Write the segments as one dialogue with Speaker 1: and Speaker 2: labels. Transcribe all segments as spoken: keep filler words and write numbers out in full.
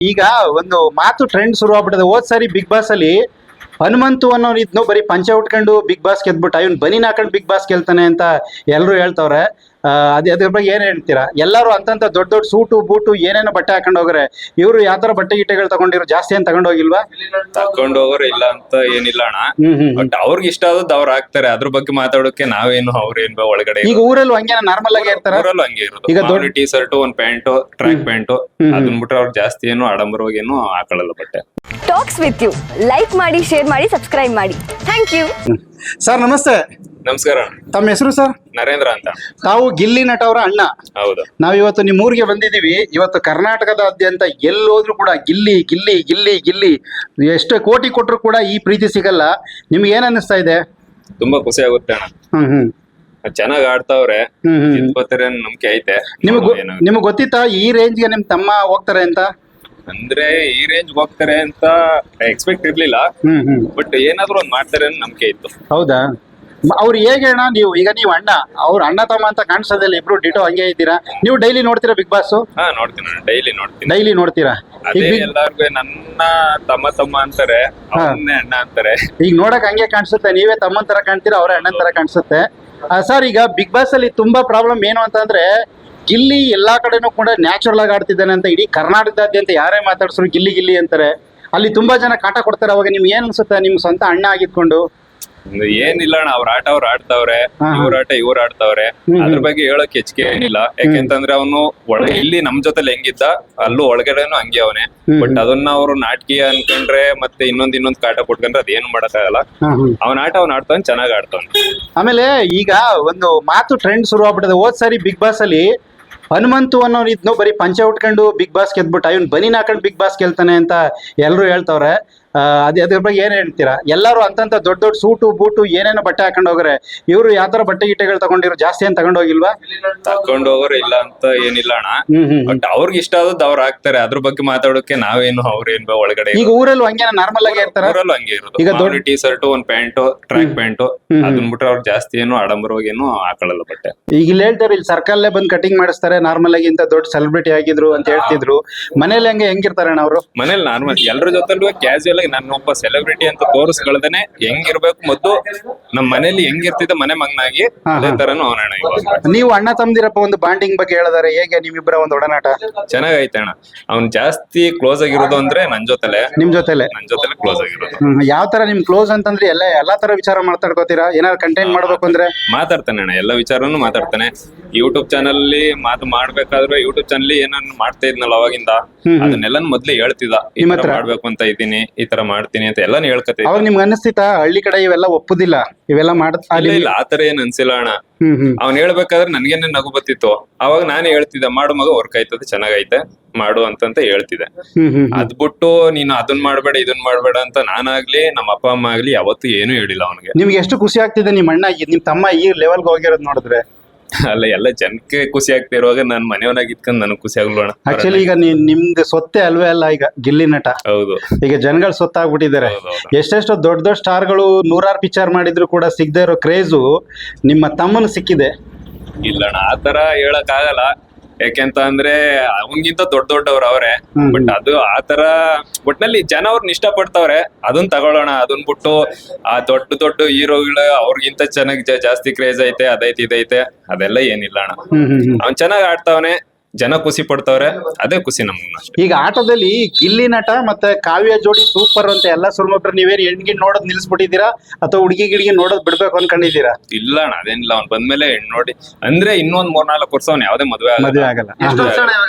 Speaker 1: ಈಗ ಒಂದು ಮಾತು ಟ್ರೆಂಡ್ ಶುರು ಆಗ್ಬಿಟ್ಟಿದೆ. ಹೋದ್ ಸಾರಿ ಬಿಗ್ ಬಾಸ್ ಅಲ್ಲಿ ಹನುಮಂತು ಅನ್ನೋರು ಇದ್ನು ಬರೀ ಪಂಚೆ ಉಟ್ಕೊಂಡು ಬಿಗ್ ಬಾಸ್ ಗೆದ್ಬಿಟ್ಟ, ಇವ್ನು ಬನಿನ್ ಹಾಕೊಂಡು ಬಿಗ್ ಬಾಸ್ ಗೆಲ್ತಾನೆ ಅಂತ ಎಲ್ಲರೂ ಹೇಳ್ತವ್ರೆ. ಅದೇ ಅದ್ರ ಬಗ್ಗೆ ಏನ್ ಹೇಳ್ತೀರಾ? ಎಲ್ಲರೂ ಅಂತಂತ ದೊಡ್ಡ ದೊಡ್ಡ ಸೂಟು ಬೂಟು ಏನೇನೋ ಬಟ್ಟೆ ಹಾಕೊಂಡು ಹೋಗ್ರೆ, ಇವ್ರು ಯಾವ ತರ ಬಟ್ಟೆ ಗಿಟ್ಟೆಗಳು ತಗೊಂಡಿರೋ ಜಾಸ್ತಿ ಏನ್ ತಗೊಂಡ್ ಹೋಗಿಲ್ವಾ?
Speaker 2: ತಕೊಂಡ್ ಹೋಗೋರು ಇಲ್ಲ ಅಂತ ಏನಿಲ್ಲ ಅಣ್ಣ.
Speaker 1: ಹ್ಮ್ ಹ್ಮ್
Speaker 2: ಬಟ್ ಅವ್ರಿಗೆ ಇಷ್ಟ ಆದದ್ದು ಅವ್ರು ಹಾಕ್ತಾರೆ. ಅದ್ರ ಬಗ್ಗೆ ಮಾತಾಡೋಕೆ ನಾವೇನು ಅವ್ರೇನ್ ಒಳಗಡೆ
Speaker 1: ಈಗ ಊರಲ್ಲೂ ಹಂಗೆ ನಾರ್ಮಲ್ ಆಗಿ ಇರ್ತಾರ.
Speaker 2: ಊರಲ್ಲೂ ಹಂಗೆ ಇರೋದು.
Speaker 1: ಈಗ
Speaker 2: ಈಗ
Speaker 1: ದೊಡ್ಡ-
Speaker 2: ಟೀ ಶರ್ಟ್, ಒಂದ್ ಪ್ಯಾಂಟ್, ಟ್ರ್ಯಾಕ್ ಪ್ಯಾಂಟ್ ಅದನ್ ಬಿಟ್ರೆ ಅವ್ರು ಜಾಸ್ತಿ ಏನು ಆಡಂಬರವಾಗಿ ಏನು ಹಾಕೊಳ್ಳಲ್ಲ ಬಟ್ಟೆ.
Speaker 3: ಟಾಕ್ಸ್ ವಿತ್ ಯು ಲೈಕ್ ಮಾಡಿ, ಶೇರ್ ಮಾಡಿ, ಸಬ್ಸ್ಕ್ರೈಬ್ ಮಾಡಿ. Thank you.
Speaker 1: ಸರ್ ನಮಸ್ತೆ.
Speaker 2: ನಮಸ್ಕಾರ.
Speaker 1: ತಮ್ಮ ಹೆಸರು ಸರ್?
Speaker 2: ನರೇಂದ್ರ ಅಂತ.
Speaker 1: ತಾವು ಗಿಲ್ಲಿ ನಟ ಅವರ ಅಣ್ಣ.
Speaker 2: ಹೌದು.
Speaker 1: ನಾವ್ ಇವತ್ತು ನಿಮ್ಮ ಊರಿಗೆ ಬಂದಿದೀವಿ. ಇವತ್ತು ಕರ್ನಾಟಕದಾದ್ಯಂತ ಎಲ್ಲೋದ್ರು ಕೂಡ ಗಿಲ್ಲಿ ಗಿಲ್ಲಿ ಗಿಲ್ಲಿ ಗಿಲ್ಲಿ ಎಷ್ಟು ಕೋಟಿ ಕೊಟ್ಟರು ಕೂಡ ಈ ಪ್ರೀತಿ ಸಿಗಲ್ಲ. ನಿಮ್ಗೆ ಏನ್ ಅನ್ನಿಸ್ತಾ ಇದೆ?
Speaker 2: ತುಂಬಾ ಖುಷಿ ಆಗುತ್ತೆ ಅಣ್ಣ.
Speaker 1: ಹ್ಮ್ ಹ್ಮ್
Speaker 2: ಚೆನ್ನಾಗ್ ಆಡ್ತಾವ್ರೆ,
Speaker 1: ಹ್ಮ್ ಹ್ಮ್
Speaker 2: ಗೆದ್ಕೋತಾರೆ ಅನ್ನೋ ನಂಬಿಕೆ ಐತೆ.
Speaker 1: ನಿಮಗ್
Speaker 2: ನೋಡುವ ಏನಾಗುತ್ತೆ.
Speaker 1: ನಿಮಗ್ ಗೊತ್ತಿತ್ತಾ ಈ ರೇಂಜ್ಗೆ ನಿಮ್ ತಮ್ಮ ಹೋಗ್ತಾರೆ ಅಂತ?
Speaker 2: ಅಂದ್ರೆ ಈ ರೇಂಜ್ ಹೋಗ್ತಾರೆ ಅಂತ ಎಕ್ಸ್ಪೆಕ್ಟ್ ಇರ್ಲಿಲ್ಲ.
Speaker 1: ಹ್ಮ್ ಹ್ಮ್
Speaker 2: ಬಟ್ ಏನಾದ್ರು ಒಂದ್ ಮಾಡ್ತಾರೆ ಅನ್ನೋ ನಂಬಿಕೆ ಇತ್ತು.
Speaker 1: ಹೌದಾ? ಮ- ಅವ್ರು ಹೇಗೆ ಅಣ್ಣ? ನೀವು ಈಗ ನೀವು ಅಣ್ಣ, ಅವ್ರ ಅಣ್ಣ ತಮ್ಮ ಅಂತ ಕಾಣಿಸೋದಿಲ್ಲ, ಇಬ್ರು ಡಿಟೋ ಹಂಗೆ ಇದ್ದೀರಾ. ನೀವು ಡೈಲಿ ನೋಡ್ತೀರಾ ಬಿಗ್ ಬಾಸ್?
Speaker 2: ಹಾ ನೋಡ್ತೀನಿ ಅಣ್ಣ, ಡೈಲಿ ನೋಡ್ತೀನಿ.
Speaker 1: ಡೈಲಿ ನೋಡ್ತೀರಾ? ಈಗ
Speaker 2: ಅದೇ
Speaker 1: ಬಿಗ್
Speaker 2: ಎಲ್ಲಾರ್ಗು ನನ್ನ ತಮ್ಮ ತಮ್ಮ ಅಂತಾರೆ, ಅವನ್ನೇ ಅಣ್ಣ ಅಂತಾರೆ.
Speaker 1: ಈಗ ನೋಡಕ್ ಹಂಗೆ ಕಾಣಿಸುತ್ತೆ. ನೀವೇ ತಮ್ಮನ್ ತರ ಕಾಣ್ತೀರಾ, ಅವರೇ ಅಣ್ಣನ್ ತರ ಕಾಣಿಸುತ್ತೆ. ಸರ್, ಈಗ ಬಿಗ್ ಬಾಸ್ ಅಲ್ಲಿ ತುಂಬಾ ಪ್ರಾಬ್ಲಮ್ ಏನು ಅಂತಂದ್ರೆ, ಗಿಲ್ಲಿ ಎಲ್ಲಾ ಕಡೆನೂ ಕೂಡ ನ್ಯಾಚುರಲ್ ಆಗಿ ಆಡ್ತಿದ್ದಾನೆ ಅಂತ ಇಡೀ ಕರ್ನಾಟಕದಾದ್ಯಂತ ಯಾರೇ ಮಾತಾಡ್ಸ್ರು ಗಿಲ್ಲಿ ಗಿಲ್ಲಿ ಅಂತಾರೆ. ಅಲ್ಲಿ ತುಂಬಾ ಜನ ಕಾಟ ಕೊಡ್ತಾರೆ. ಅವಾಗ ನಿಮ್ಗೆ ಏನ್ ಅನ್ಸುತ್ತೆ, ನಿಮ್ ಸ್ವಂತ ಅಣ್ಣ ಆಗಿದ್ಕೊಂಡು?
Speaker 2: ಒಂದು ಏನಿಲ್ಲ ಅಣ್ಣ, ಅವ್ರ ಆಟ ಅವ್ರು ಆಡ್ತಾವ್ರೆ,
Speaker 1: ಹಾ, ಹಾ.
Speaker 2: ಇವ್ರ ಆಟ ಇವ್ರು ಆಡ್ತಾವ್ರೆ.
Speaker 1: ಹ್ಮ್,
Speaker 2: ಅದ್ರ
Speaker 1: ಹ್ಮ್.
Speaker 2: ಬಗ್ಗೆ ಹೇಳಕ್ ಹೆಚ್ಚಿಗೆ ಏನಿಲ್ಲ. ಯಾಕೆಂತಂದ್ರೆ ಅವನು ಒಳ ಇಲ್ಲಿ ನಮ್ ಜೊತೆಲಿ ಹೆಂಗಿದ್ದ ಅಲ್ಲೂ ಒಳಗಡೆನು ಹಂಗೆ ಅವನೇ.
Speaker 1: Hmm,
Speaker 2: but
Speaker 1: hmm.
Speaker 2: ಅದನ್ನ ಅವ್ರು ನಾಟಕೀಯ ಅನ್ಕೊಂಡ್ರೆ ಮತ್ತೆ ಇನ್ನೊಂದ್ ಇನ್ನೊಂದ್ ಕಾಟ ಕೊಟ್ಕೊಂಡ್ರೆ ಅದೇನು ಮಾಡಕ್ಕಾಗಲ್ಲ.
Speaker 1: ಹ್ಮ್, ಹ್ಮ್.
Speaker 2: ಅವನ ಆಟ ಅವ್ನ ಆಡ್ತಾನೆ, ಚೆನ್ನಾಗ್ ಆಡ್ತಾನೆ.
Speaker 1: ಆಮೇಲೆ ಈಗ ಒಂದು ಮಾತು ಟ್ರೆಂಡ್ ಶುರು ಆಗ್ಬಿಟ್ಟಿದೆ. ಹೋದ್ ಸಾರಿ ಬಿಗ್ ಬಾಸ್ ಅಲ್ಲಿ ಹನುಮಂತು ಅನ್ನೋರು ಇದ್ನು ಬರೀ ಪಂಚೆ ಉಟ್ಕೊಂಡು ಬಿಗ್ ಬಾಸ್ ಗೆದ್ಬಿಟ್ಟ, ಇವ್ನು ಬನಿನ್ ಹಾಕೊಂಡು ಬಿಗ್ ಬಾಸ್ ಗೆಲ್ತಾನೆ ಅಂತ ಎಲ್ಲರೂ ಹೇಳ್ತವ್ರೆ. ಅದೇ ಅದ್ರ ಬಗ್ಗೆ ಏನ್ ಹೇಳ್ತೀರಾ? ಎಲ್ಲರೂ ಅಂತಂತ ದೊಡ್ಡ ದೊಡ್ಡ ಸೂಟು ಬೂಟು ಏನೇನೋ ಬಟ್ಟೆ ಹಾಕೊಂಡು ಹೋಗ್ರೆ, ಇವ್ರು ಯಾವ ತರ ಬಟ್ಟೆ ಗಿಟ್ಟೆಗಳು ತಗೊಂಡಿರೋ ಜಾಸ್ತಿ ಏನ್ ತಗೊಂಡ್ ಹೋಗಿಲ್ವಾ?
Speaker 2: ತಕೊಂಡ್ ಹೋಗೋರು ಇಲ್ಲ ಅಂತ ಏನಿಲ್ಲ ಅಣ್ಣ.
Speaker 1: ಹ್ಮ್ ಹ್ಮ್
Speaker 2: ಬಟ್ ಅವ್ರಿಗೆ ಇಷ್ಟ ಆದದ್ದು ಅವ್ರು ಹಾಕ್ತಾರೆ. ಅದ್ರ ಬಗ್ಗೆ ಮಾತಾಡೋಕೆ ನಾವೇನು ಅವ್ರೇನ್ ಒಳಗಡೆ
Speaker 1: ಈಗ ಊರಲ್ಲೂ ಹಂಗೆ ನಾರ್ಮಲ್ ಆಗಿ ಇರ್ತಾರ.
Speaker 2: ಊರಲ್ಲೂ ಹಂಗೆ ಇರೋದು.
Speaker 1: ಈಗ
Speaker 2: ಈಗ
Speaker 1: ದೊಡ್ಡ-
Speaker 2: ಟೀ ಶರ್ಟ್, ಒಂದ್ ಪ್ಯಾಂಟ್, ಟ್ರ್ಯಾಕ್ ಪ್ಯಾಂಟ್
Speaker 1: ಹ್ಮ್.
Speaker 2: ಅದನ್ ಬಿಟ್ರೆ ಅವ್ರು ಜಾಸ್ತಿ ಏನು ಆಡಂಬರವಾಗಿ ಏನು ಹಾಕೊಳ್ಳಲ್ಲ ಬಟ್ಟೆ.
Speaker 1: ಈಗ ಇಲ್ಲಿ ಹೇಳ್ತಾರೆ, ಇಲ್ಲಿ ಸರ್ಕಲ್ಲೇ ಬಂದು ಕಟಿಂಗ್ ಮಾಡಿಸ್ತಾರೆ, ನಾರ್ಮಲ್ ಆಗಿ ಇಂತ ದೊಡ್ಡ ಸೆಲೆಬ್ರಿಟಿ ಆಗಿದ್ರು ಅಂತ ಹೇಳ್ತಿದ್ರು. ಮನೇಲಿ ಹಂಗೆ ಹೆಂಗಿರ್ತಾರೆ ಅಣ್ಣ ಅವರು?
Speaker 2: ಮನೇಲಿ ನಾರ್ಮಲ್ ಎಲ್ಲರ ಜೊತೆಲೂ ಕ್ಯಾಶುಯಲ್ ಆಗಿ ನಾನು ಒಬ್ಬ ಸೆಲೆಬ್ರಿಟಿ ಅಂತ ತೋರಿಸ್ಕೊಳ್ದೇನೆ ಹೆಂಗಿರ್ಬೇಕು, ಮೊದ್ಲು ನಮ್ ಮನೇಲಿ ಹೆಂಗಿರ್ತಿದ್ದ ಮನೆ ಮಗನಾಗಿ
Speaker 1: ಹಾ,
Speaker 2: ಅದೇ
Speaker 1: ಹಾ.
Speaker 2: ತರನು ಅವನಣ್ಣ ಇವಾಗ.
Speaker 1: ನೀವು ಅಣ್ಣ ತಮ್ದಿರಪ್ಪ ಒಂದು ಬಾಂಡಿಂಗ್ ಬಗ್ಗೆ ಹೇಳಿದಾರೆ. ಹೇಗೆ ನಿಮ್ಮಿಬ್ಬರ ಒಂದು ಒಡನಾಟ?
Speaker 2: ಚೆನ್ನಾಗೈತೆ ಅಣ್ಣ. ಅವ್ನ್ ಜಾಸ್ತಿ ಕ್ಲೋಸ್ ಆಗಿರೋದು ಅಂದ್ರೆ ನನ್ ಜೊತೆಲೆ
Speaker 1: ನಿಮ್ ಜೊತೆಲೆ?
Speaker 2: ನನ್ ಜೊತೆಲೆ ಕ್ಲೋಸ್ ಆಗಿರೋದು.
Speaker 1: ಹ್ಮ್. ಯಾವ ತರ ನಿಮ್ ಕ್ಲೋಸ್ ಅಂತಂದ್ರೆ ಎಲ್ಲ ಎಲ್ಲಾ ತರ ವಿಚಾರ ಮಾತಾಡ್ಕೋತೀರಾ? ಏನಾದ್ರು ಕಂಟೆಂಟ್ ಮಾಡ್ಬೇಕು ಅಂದ್ರೆ?
Speaker 2: ಮಾತಾಡ್ತಾನೆ ಅಣ್ಣ, ಎಲ್ಲ ವಿಚಾರನು ಮಾತಾಡ್ತಾನೆ. ಯೂಟ್ಯೂಬ್ ಚಾನಲ್ ಅಲ್ಲಿ ಮಾತು ಮಾಡ್ಬೇಕಾದ್ರೆ ಯೂಟ್ಯೂಬ್ ಚಾನಲ್ ಏನನ್ನ ಮಾಡ್ತಾ ಇದ್ನಲ್ಲ ಅವಾಗಿಂದ,
Speaker 1: ಹ್ಮ್, ಹ್ಮ್.
Speaker 2: ಅದನ್ನೆಲ್ಲ ಮೊದ್ಲು ಹೇಳ್ತಿದ್ದ. ಈ
Speaker 1: ನಿಮ್ಮ
Speaker 2: ತರ
Speaker 1: ಹತ್ರ?
Speaker 2: ಮಾಡ್ಬೇಕು ಅಂತ ಇದ್ದೀನಿ, ಈ ತರ ಮಾಡ್ತೀನಿ ಅಂತ ಎಲ್ಲಾನು ಹೇಳ್ಕತಿದ್ದ.
Speaker 1: ಅವಾಗ ನಿಮ್ಗೆ ಅನಿಸ್ತಿತ್ತಾ ಹಳ್ಳಿ ಕಡೆ ಇವೆಲ್ಲ ಒಪ್ಪುದಿಲ್ಲ, ಇವೆಲ್ಲ ಮಾಡ?
Speaker 2: ಇಲ್ಲ ಇಲ್ಲ ಆತರ ಏನ್ ಅನ್ಸಿಲ್ಲ ಅಣ್ಣ.
Speaker 1: ಹ್ಮ್ ಹ್ಮ್
Speaker 2: ಅವ್ನ್ ಹೇಳ್ಬೇಕಾದ್ರೆ ನನ್ಗೇನೆ ನಗು ಬತ್ತಿತ್ತು. ಅವಾಗ ನಾನೇ ಹೇಳ್ತಿದ್ದೆ, ಮಾಡು ಮಗ, ವರ್ಕ್ ಆಯ್ತದೆ, ಚೆನ್ನಾಗೈತೆ, ಮಾಡು ಅಂತಂತ ಹೇಳ್ತಿದ್ದೆ.
Speaker 1: ಹ್ಮ್ ಹ್ಮ್ ಹ್ಮ್.
Speaker 2: ಅದ್ ಬಿಟ್ಟು ನೀನು ಅದನ್ ಮಾಡ್ಬೇಡ ಇದನ್ ಮಾಡ್ಬೇಡ ಅಂತ ನಾನಾಗ್ಲಿ ನಮ್ಮ ಅಪ್ಪ ಅಮ್ಮ ಆಗ್ಲಿ ಯಾವತ್ತೂ ಏನು ಹೇಳಿಲ್ಲ ಅವನಿಗೆ.
Speaker 1: ನಿಮ್ಗೆ ಎಷ್ಟು ಖುಷಿ ಆಗ್ತಿದೆ ನಿಮ್ ಅಣ್ಣ ಈ- ನಿಮ್ ತಮ್ಮ ಈ ಲೆವೆಲ್ಗೆ ಹೋಗಿರೋದ್ ನೋಡಿದ್ರೆ?
Speaker 2: ಅಲ್ಲ, ಎಲ್ಲ ಜನಕ್ಕೆ ಖುಷಿ ಆಗ್ತಾ ಇರುವಾಗ ನಾನ್ ಮನೆಯವನಾಗಿ ಇದ್ಕೊಂಡ್ ನನಗ್ ಖುಷಿ ಆಗ್ಲೋಣ.
Speaker 1: ಆಕ್ಚುಲಿ ಈಗ ನೀ ನಿಮ್ದು ಸೊತ್ತೆ ಅಲ್ವೇ ಅಲ್ಲ ಈಗ ಗಿಲ್ಲಿ ನಟ.
Speaker 2: ಹೌದು
Speaker 1: ಈಗ ಜನಗಳು ಸೊತ್ತಾಗ್ಬಿಟ್ಟಿದ್ದಾರೆ.
Speaker 2: ಹೌದೌದು.
Speaker 1: ಎಷ್ಟೆಷ್ಟೋ ದೊಡ್ಡ ದೊಡ್ಡ ಸ್ಟಾರ್ಗಳು ನೂರಾರು ಪಿಕ್ಚರ್ ಮಾಡಿದ್ರು ಕೂಡ ಸಿಗದೆ ಇರೋ ಕ್ರೇಜು ನಿಮ್ಮ ತಮ್ಮನ ಸಿಕ್ಕಿದೆ.
Speaker 2: ಇಲ್ಲ ಅಣ್ಣ, ಆತರ ಹೇಳಕ್ ಆಗಲ್ಲ. ಯಾಕೆಂತ ಅಂದ್ರೆ ಅವನ್ಗಿಂತ ದೊಡ್ಡ ದೊಡ್ಡವ್ರು ಅವ್ರೆ.
Speaker 1: ಹ್ಮ್.
Speaker 2: ಬಟ್ ಅದು ಆತರ ಒಟ್ನಲ್ಲಿ ಜನ ಅವ್ರನ್ನ ಇಷ್ಟ ಪಡ್ತಾವ್ರೆ, ಅದನ್ ತಗೊಳ್ಳೋಣ. ಅದನ್ ಬಿಟ್ಟು ಆ ದೊಡ್ಡ ದೊಡ್ಡ ಹೀರೋಗಳು ಅವ್ರಿಗಿಂತ ಚೆನ್ನಾಗಿ ಜಾಸ್ತಿ ಕ್ರೇಜ್ ಐತೆ, ಅದೈತೆ ಇದೈತೆ ಅದೆಲ್ಲ ಏನಿಲ್ಲ ಅಣ್ಣ.
Speaker 1: ಹ್ಮ್ ಹ್ಮ್ ಹ್ಮ್.
Speaker 2: ಅವ್ನ್ ಚೆನ್ನಾಗ್ ಆಡ್ತಾವನೆ, ಜನ ಖುಷಿ ಪಡ್ತಾವ್ರೆ, ಅದೇ ಖುಷಿ ನಮ್ಗೆ ಅಷ್ಟೇ.
Speaker 1: ಈಗ ಆಟದಲ್ಲಿ ಗಿಲ್ಲಿ ನಟ ಮತ್ತೆ ಕಾವ್ಯ ಜೋಡಿ ಸೂಪರ್ ಅಂತ ಎಲ್ಲ ಸುಳ್ಮಕ್ರು ನೀವೇನು ಹೆಣ್ಗಿನ್ ನೋಡೋದ್ ನಿಲ್ಸ್ಬಿಟ್ಟಿದ್ದೀರಾ ಅಥವಾ ಹುಡುಗಿ ಗಿಡಿಗೆ ನೋಡೋದ್ ಬಿಡ್ಬೇಕು ಅನ್ಕೊಂಡಿದ್ದೀರಾ?
Speaker 2: ಇಲ್ಲ ಅಣ್ಣ, ಅದೇನಿಲ್ಲ. ಅವ್ನ್ ಬಂದ್ಮೇಲೆ ಹೆಣ್ ನೋಡಿ ಅಂದ್ರೆ ಇನ್ನೊಂದ್ ಮೂರ್ನಾಲ್ಕು ವರ್ಷ ಅವ್ನ್ ಯಾವ್ದೇ ಮದ್ವೆ
Speaker 1: ಮದುವೆ ಆಗಲ್ಲ.
Speaker 2: ಎಷ್ಟು ವರ್ಷ ಅಣ್ಣ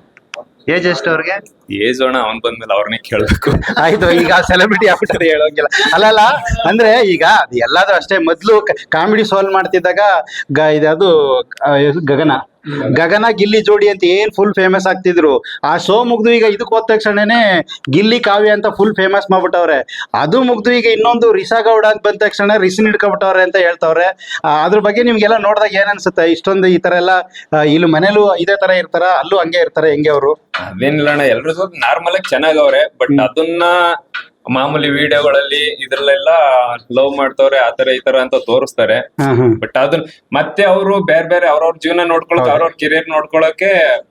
Speaker 1: ಏಜ್ ಎಷ್ಟು ಅವ್ರಿಗೆ?
Speaker 2: ಏಜ್ ಅಣ್ಣ, ಅವ್ನ್ ಬಂದ್ಮೇಲೆ ಅವ್ರನ್ನೇ ಕೇಳ್ಬೇಕು.
Speaker 1: ಆಯ್ತು, ಈಗ ಸೆಲೆಬ್ರಿಟಿ ಆಗ್ಬಿಟ್ಟರೆ ಹೇಳೋಂಗಿಲ್ಲ. ಅಲ್ಲಲ್ಲ, ಅಂದ್ರೆ ಈಗ ಅದು ಎಲ್ಲಾದ್ರೂ ಅಷ್ಟೇ. ಮೊದ್ಲು ಕಾಮಿಡಿ ಸಾಲ್ವ್ ಮಾಡ್ತಿದ್ದಾಗ ಗ ಇದು ಗಗನ ಗಗನ ಗಿಲ್ಲಿ ಜೋಡಿ ಅಂತ ಏನ್ ಫುಲ್ ಫೇಮಸ್ ಆಗ್ತಿದ್ರು. ಆ ಶೋ ಮುಗ್ದು ಈಗ ಇದಕ್ಕೆ ಹೋದ ತಕ್ಷಣನೇ ಗಿಲ್ಲಿ ಕಾವ್ಯ ಅಂತ ಫುಲ್ ಫೇಮಸ್ ಮಾಡ್ಬಿಟ್ಟವ್ರೆ. ಅದು ಮುಗ್ದು ಈಗ ಇನ್ನೊಂದು ರಿಸಾ ಗೌಡ ಅಂತ ಬಂದ ತಕ್ಷಣ ರಿಸಿನ್ ಹಿಡ್ಕೊಬಿಟ್ಟವ್ರೆ ಅಂತ ಹೇಳ್ತವ್ರೆ. ಆ, ಅದ್ರ ಬಗ್ಗೆ ನಿಮ್ಗೆಲ್ಲ ನೋಡಿದಾಗ ಏನ್ ಅನ್ಸುತ್ತೆ? ಇಷ್ಟೊಂದು ಈ ತರ ಎಲ್ಲ ಆ, ಇಲ್ಲಿ ಮನೇಲೂ ಇದೇ ತರ ಇರ್ತಾರ, ಅಲ್ಲೂ ಹಂಗೆ ಇರ್ತಾರೆ, ಹೆಂಗೆ ಅವರು?
Speaker 2: ಅದೇನಿಲ್ಲ ಅಣ್ಣ, ಎಲ್ರು ಜೊತೆ ನಾರ್ಮಲ್ ಆಗಿ ಚೆನ್ನಾಗವ್ರೆ. ಬಟ್ ಅದನ್ನ ಮಾಮೂಲಿ ವಿಡಿಯೋಗಳಲ್ಲಿ ಇದ್ರಲ್ಲೆಲ್ಲ ಲವ್ ಮಾಡ್ತವ್ರೆ, ಆತರ ಈ ತರ ಅಂತ ತೋರಿಸ್ತಾರೆ.
Speaker 1: ಹ್ಮ್ ಹ್ಮ್
Speaker 2: ಬಟ್ ಅದನ್ನ ಮತ್ತೆ ಅವರು ಬೇರೆ ಬೇರೆ ಅವ್ರವ್ರ ಜೀವನ ನೋಡ್ಕೊಳಕ್, ಅವ್ರವ್ರ ಕೆರಿಯರ್ ನೋಡ್ಕೊಳಕ್ಕೆ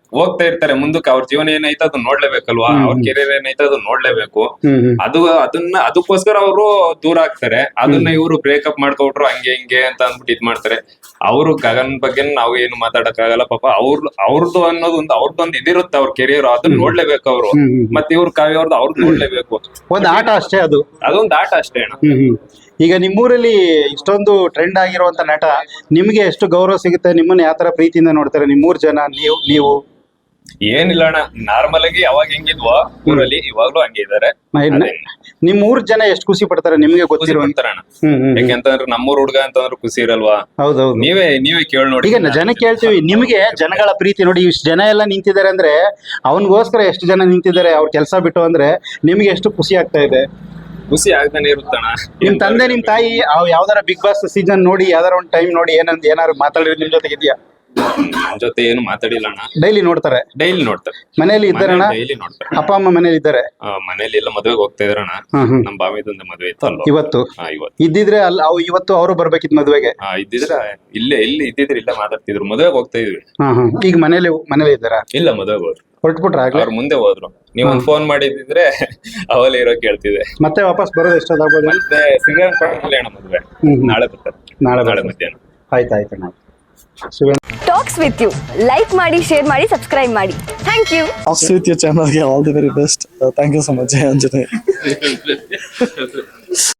Speaker 2: ಹೋಗ್ತಾ ಇರ್ತಾರೆ ಮುಂದಕ್ಕೆ, ಅವ್ರ ಜೀವನ ಏನೈತೆ ಅದನ್ನ ನೋಡ್ಲೇಬೇಕಲ್ವಾ, ಅವ್ರ ಕೆರಿಯರ್ ಏನೈತೆ ಅದನ್ನ ನೋಡ್ಲೇಬೇಕು.
Speaker 1: ಹ್ಮ್ ಹ್ಮ್
Speaker 2: ಅದು ಅದನ್ನ ಅದಕ್ಕೋಸ್ಕರ ಅವರು ದೂರ ಆಗ್ತಾರೆ. ಅದನ್ನ ಇವರು ಬ್ರೇಕಪ್ ಮಾಡ್ಕೊಟ್ರು ಹಂಗೆ ಹಿಂಗೆ ಅಂತ ಅಂದ್ಬಿಟ್ಟು ಇದ್ ಮಾಡ್ತಾರೆ. ಅವರು ಗಗನ್ ಬಗ್ಗೆ ನಾವು ಏನು ಮಾತಾಡಕ್ ಆಗಲ್ಲ ಪಾಪ. ಅವ್ರ ಅವ್ರದ್ದು ಅನ್ನೋದು ಒಂದು ಅವ್ರದ್ದೊಂದು ಇದಿರುತ್ತೆ ಅವ್ರ ಕೆರಿಯರ್, ಅದನ್ನ ನೋಡ್ಲೇಬೇಕು ಅವರು.
Speaker 1: ಹ್ಮ್ ಹ್ಮ್.
Speaker 2: ಮತ್ತೆ ಇವ್ರ ಕಾವ್ಯ ಅವ್ರದ್ದು ಅವ್ರದ್ದು ನೋಡ್ಲೇಬೇಕು.
Speaker 1: ಒಂದ್ ಆಟ ಅಷ್ಟೇ ಅದು.
Speaker 2: ಅದೊಂದು ಆಟ ಅಷ್ಟೇ ಅಣ್ಣ.
Speaker 1: ಹ್ಮ್ ಹ್ಮ್. ಈಗ ನಿಮ್ಮೂರಲ್ಲಿ ಇಷ್ಟೊಂದು ಟ್ರೆಂಡ್ ಆಗಿರುವಂತ ನಟ, ನಿಮ್ಗೆ ಎಷ್ಟು ಗೌರವ ಸಿಗುತ್ತೆ? ನಿಮ್ಮನ್ನ ಯಾವ ತರ ಪ್ರೀತಿಯಿಂದ ನೋಡ್ತಾರೆ ನಿಮ್ಮೂರ್ ಜನ? ನೀವು ನೀವು
Speaker 2: ಏನಿಲ್ಲ ಅಣ್ಣ, ನಾರ್ಮಲ್ ಆಗಿ ಯಾವಾಗ ಹೆಂಗಿದ್ವೋ ಊರಲ್ಲಿ ಇವಾಗ್ಲೂ ಹಂಗೆ ಇದಾರೆ.
Speaker 1: ನಿಮ್ ಊರ್ ಜನ ಎಷ್ಟು ಖುಷಿ ಪಡ್ತಾರೆ ನಿಮ್ಗೆ
Speaker 2: ಖುಷಿ
Speaker 1: ಗೊತ್ತಿರೋ?
Speaker 2: ಪಡ್ತಾರಣ್ಣ.
Speaker 1: ಹ್ಮ್ ಹ್ಮ್.
Speaker 2: ಹೆಂಗಂತಂದ್ರೆ ನಮ್ಮೂರ್ ಹುಡ್ಗ ಅಂತಂದ್ರೆ ಖುಷಿ ಇರಲ್ವಾ?
Speaker 1: ಹೌದೌದು.
Speaker 2: ನೀವೇ ನೀವೇ ಕೇಳಿ ನೋಡಿ.
Speaker 1: ಈಗ ಜನ ಕೇಳ್ತೀವಿ, ನಿಮ್ಗೆ ಜನಗಳ ಪ್ರೀತಿ ನೋಡಿ, ಇಷ್ಟು ಜನ ಎಲ್ಲ ನಿಂತಿದ್ದಾರೆ ಅಂದ್ರೆ ಅವನಿಗೋಸ್ಕರ ಎಷ್ಟು ಜನ ನಿಂತಿದ್ದಾರೆ ಅವ್ರ ಕೆಲಸ ಬಿಟ್ಟು ಅಂದ್ರೆ ನಿಮ್ಗೆ ಎಷ್ಟು ಖುಷಿ ಆಗ್ತಾ ಇದೆ?
Speaker 2: ಖುಷಿ ಆಗ್ತಾನೆ ಇರುತ್ತಣ್ಣ.
Speaker 1: ನಿಮ್ ತಂದೆ ನಿಮ್ ತಾಯಿ ಅವ್ ಯಾವ್ದಾರ ಬಿಗ್ ಬಾಸ್ ಸೀಸನ್ ನೋಡಿ ಯಾವ್ದಾರ ಒಂದ್ ಟೈಮ್ ನೋಡಿ ಏನಂತ ಏನಾರು ಮಾತಾಡಿದ್ರೆ ನಿಮ್ ಜೊತೆಗೆ ಇದೆಯಾ?
Speaker 2: ನಮ್ ಜೊತೆ ಏನು ಮಾತಾಡಿಲ್ಲ ಅಣ್ಣ.
Speaker 1: ಡೈಲಿ ನೋಡ್ತಾರೆ?
Speaker 2: ಡೈಲಿ ನೋಡ್ತಾರೆ.
Speaker 1: ಮನೇಲಿ ಇದ್ದಾರಣ್ಣ?
Speaker 2: ಡೈಲಿ ನೋಡ್ತಾರೆ.
Speaker 1: ಅಪ್ಪ ಅಮ್ಮ ಮನೇಲಿ ಇದ್ದಾರೆ?
Speaker 2: ಆ, ಮನೇಲಿ ಎಲ್ಲ ಮದ್ವೆಗೆ ಹೋಗ್ತಾ ಇದ್ರಣ್ಣ.
Speaker 1: ಹ್ಮ್ ಹ್ಮ್.
Speaker 2: ನಮ್ ಬಾವಿದೊಂದು ಮದ್ವೆ ಇತ್ತು ಅಲ್ವಾ
Speaker 1: ಇವತ್ತು
Speaker 2: ಹಾ, ಇವತ್ತು
Speaker 1: ಇದ್ದಿದ್ರೆ ಅಲ್ಲ ಅವ್ ಇವತ್ತು ಅವರು ಬರ್ಬೇಕಿತ್ತು ಮದ್ವೆಗೆ.
Speaker 2: ಹಾ ಇದ್ದಿದ್ರೆ ಇಲ್ಲೇ ಇಲ್ಲಿ ಇದ್ದಿದ್ರೆ ಇಲ್ಲೇ ಮಾತಾಡ್ತಿದ್ರು. ಮದ್ವೆಗೆ ಹೋಗ್ತಾ ಇದ್ವಿ.
Speaker 1: ಹ್ಮ್ ಹ್ಮ್. ಈಗ ಮನೇಲಿ ಮನೇಲಿ ಇದ್ದಾರಾ?
Speaker 2: ಇಲ್ಲ ಮದ್ವೆಗೆ ಹೋದ್ರು.
Speaker 1: ಹೊರಟ್ಬಿಟ್ರ ಆಗ್ಲೇ?
Speaker 2: ಅವ್ರ ಮುಂದೆ ಹೋದ್ರು. ನೀವ್ ಒಂದ್ ಫೋನ್ ಮಾಡಿದ್ರೆ ಅವಲ್ಲಿ ಇರೋ ಕೇಳ್ತಿದೆ.
Speaker 1: ಮತ್ತೆ ವಾಪಸ್ ಬರೋದು ಎಷ್ಟೊತ್ತಾಗ್ಬೋದು?
Speaker 2: ಮತ್ತೆ ಶ್ರೀರಂಗಪಟ್ಟಣದಲ್ಲಿ ಅಣ್ಣ ಮದ್ವೆ.
Speaker 1: ಹ್ಮ್ ಹ್ಮ್.
Speaker 2: ನಾಳೆ ಬರ್ತಾರೆ.
Speaker 1: ನಾಳೆ
Speaker 2: ನಾಳೆ
Speaker 1: ಬರ್ತಾರೆ.
Speaker 2: ಮಧ್ಯಾಹ್ನ.
Speaker 1: ಆಯ್ತು ಆಯ್ತು ನಾವು Shivan
Speaker 3: talks with you like ಮಾಡಿ, ಶೇರ್ ಮಾಡಿ, ಸಬ್ಸ್ಕ್ರೈಬ್ ಮಾಡಿ. Thank you.
Speaker 4: Talks with your channel. Yeah, all the very best. Uh, thank you so much, Anjane.